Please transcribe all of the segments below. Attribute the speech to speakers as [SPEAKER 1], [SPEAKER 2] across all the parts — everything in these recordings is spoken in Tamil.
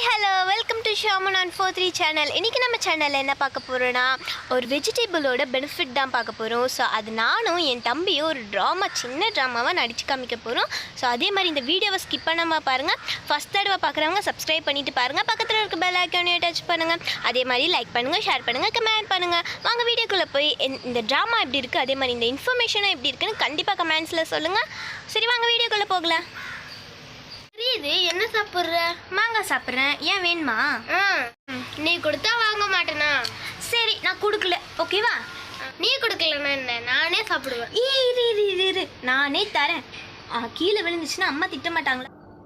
[SPEAKER 1] ஹலோ வெல்கம் டு ஷாமன் ஆன் 43 சேனல். இன்றைக்கி நம்ம சேனலில் என்ன பார்க்க போகிறோன்னா ஒரு வெஜிடபிளோட பெனிஃபிட் தான் பார்க்க போகிறோம். ஸோ அது நானும் என் தம்பியும் ஒரு சின்ன ட்ராமாவாக நடித்து காமிக்க போகிறோம். ஸோ அதே மாதிரி இந்த வீடியோவை ஸ்கிப் பண்ணாமல் பாருங்கள். ஃபஸ்ட் தடவை பார்க்குறவங்க சப்ஸ்கிரைப் பண்ணிவிட்டு பாருங்கள். பக்கத்தில் இருக்க பெல் ஐக்கானையும் டச் பண்ணுங்கள். அதே மாதிரி லைக் பண்ணுங்கள், ஷேர் பண்ணுங்கள், கமெண்ட் பண்ணுங்கள். வாங்க வீடியோக்குள்ளே போய் இந்த ட்ராமா எப்படி இருக்குது, அதே மாதிரி இந்த இன்ஃபர்மேஷனும் எப்படி இருக்குன்னு கண்டிப்பாக கமெண்ட்ஸில் சொல்லுங்கள். சரி வாங்க வீடியோக்குள்ளே போகலாம்.
[SPEAKER 2] இது என்ன சாப்பிட்ற?
[SPEAKER 1] மாங்காய் சாப்பிட்றேன். ஏன் வேணுமா?
[SPEAKER 2] நீ கொடுத்தா வாங்க மாட்டேனா?
[SPEAKER 1] சரி நான் கொடுக்கல, ஓகேவா?
[SPEAKER 2] நீ கொடுக்கலன்னா என்ன, நானே சாப்பிடுவேன்.
[SPEAKER 1] இரு நானே தரேன். கீழே விழுந்துச்சுன்னா அம்மா திட்ட மாட்டாங்களா?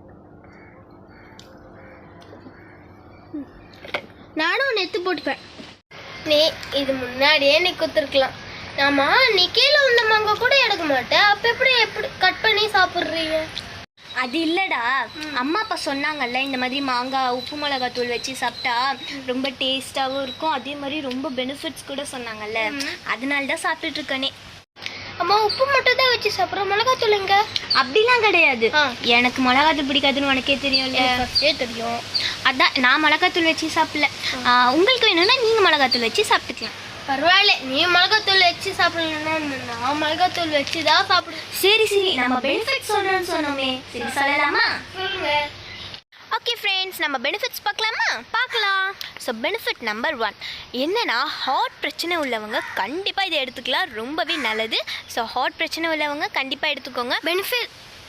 [SPEAKER 2] நானும் ஒன்று எடுத்து போட்டுப்பேன். நீ இது முன்னாடியே நீ கொடுத்துருக்கலாம். ஆமா, நீ கீழே உள்ள மாங்காய் கூட எடுக்க மாட்டேன். அப்போ எப்படி கட் பண்ணி சாப்பிட்றீங்க?
[SPEAKER 1] அது இல்லைடா, அம்மா அப்பா சொன்னாங்கல்ல இந்த மாதிரி மாங்காய் உப்பு மிளகாத்தூள் வச்சு சாப்பிட்டா ரொம்ப டேஸ்ட்டாகவும் இருக்கும், அதே மாதிரி ரொம்ப பெனிஃபிட்ஸ் கூட சொன்னாங்கல்ல, அதனால தான் சாப்பிட்டுட்டு இருக்கனே.
[SPEAKER 2] அம்மா உப்பு மட்டும் தான் வச்சு சாப்பிட்றோம், மிளகாத்தூள் எங்க?
[SPEAKER 1] அப்படிலாம் கிடையாது. எனக்கு மிளகாத்தூள் பிடிக்காதுன்னு உனக்கே தெரியும்ல.
[SPEAKER 2] தெரியும்.
[SPEAKER 1] அதான் நான் மிளகாத்தூள் வச்சு சாப்பிடல. உங்களுக்கு வேணும்னா நீங்கள் மிளகாத்தூள் வச்சு சாப்பிட்டுக்கலாம்.
[SPEAKER 2] பரவாயில்ல, நீ மிளகாத்தூள் வச்சு சாப்பிடலன்னா நான் மிளகாத்தூள் வச்சு தான் சாப்பிடுவேன்.
[SPEAKER 1] சரி நம்ம பெனிஃபிட்ஸ் சொல்கிறேன்னு சொன்னோமே, சரி சொல்லலாமா? ஓகே ஃப்ரெண்ட்ஸ், நம்ம பெனிஃபிட்ஸ் பார்க்கலாம். ஸோ பெனிஃபிட் நம்பர் 1 என்னென்னா, ஹார்ட் பிரச்சனை உள்ளவங்க கண்டிப்பாக இதை எடுத்துக்கலாம், ரொம்பவே நல்லது. ஸோ ஹார்ட் பிரச்சனை உள்ளவங்க கண்டிப்பாக எடுத்துக்கோங்க.
[SPEAKER 2] பெனிஃபிட்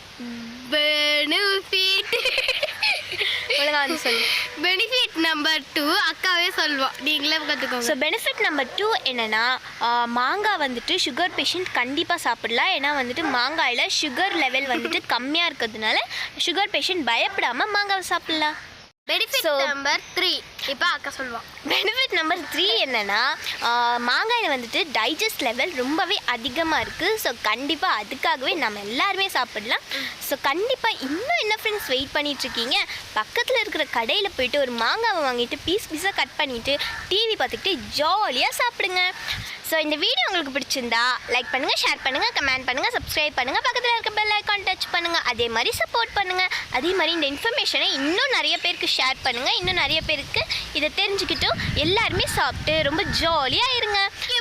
[SPEAKER 1] ஒழுங்கா வந்து சொல்லு.
[SPEAKER 2] பெனிஃபிட் நம்பர் 2 அக்காவே சொல்லுவோம், நீங்களே கற்றுக்கோங்க.
[SPEAKER 1] ஸோ பெனிஃபிட் நம்பர் 2 என்னென்னா, மாங்காய் வந்துட்டு சுகர் பேஷண்ட் கண்டிப்பாக சாப்பிடலாம். ஏன்னா வந்துட்டு மாங்காயில் சுகர் லெவல் வந்துட்டு கம்மியாக இருக்கிறதுனால சுகர் பேஷண்ட் பயப்படாமல் மாங்காவை சாப்பிடலாம்.
[SPEAKER 2] பெனிஃபிட் நம்பர் 3 இப்போ அக்கா சொல்லுவான்.
[SPEAKER 1] பெனிஃபிட் நம்பர் 3 என்னென்னா, மாங்காயில் வந்துட்டு டைஜஸ்ட் லெவல் ரொம்பவே அதிகமாக இருக்குது. ஸோ கண்டிப்பாக அதுக்காகவே நம்ம எல்லாருமே சாப்பிடலாம். ஸோ கண்டிப்பாக இன்னும் என்ன ஃப்ரெண்ட்ஸ் வெயிட் பண்ணிகிட்ருக்கீங்க? பக்கத்தில் இருக்கிற கடையில் போய்ட்டு ஒரு மாங்காவை வாங்கிட்டு பீஸாக கட் பண்ணிவிட்டு டிவி பார்த்துக்கிட்டு ஜாலியாக சாப்பிடுங்க. ஸோ இந்த வீடியோ உங்களுக்கு பிடிச்சிருந்தா லைக் பண்ணுங்கள், ஷேர் பண்ணுங்கள், கமெண்ட் பண்ணுங்கள், சப்ஸ்கிரைப் பண்ணுங்கள், பக்கத்தில் இருக்க பெல் ஐக்கான் டச் பண்ணுங்கள், அதே மாதிரி சப்போர்ட் பண்ணுங்கள். அதே மாதிரி இந்த இன்ஃபர்மேஷனை இன்னும் நிறைய பேருக்கு ஷேர் பண்ணுங்கள். இன்னும் நிறைய பேருக்கு இதை தெரிஞ்சுக்கிட்டும் எல்லாருமே சாப்பிட்டு ரொம்ப ஜாலியாக இருங்க.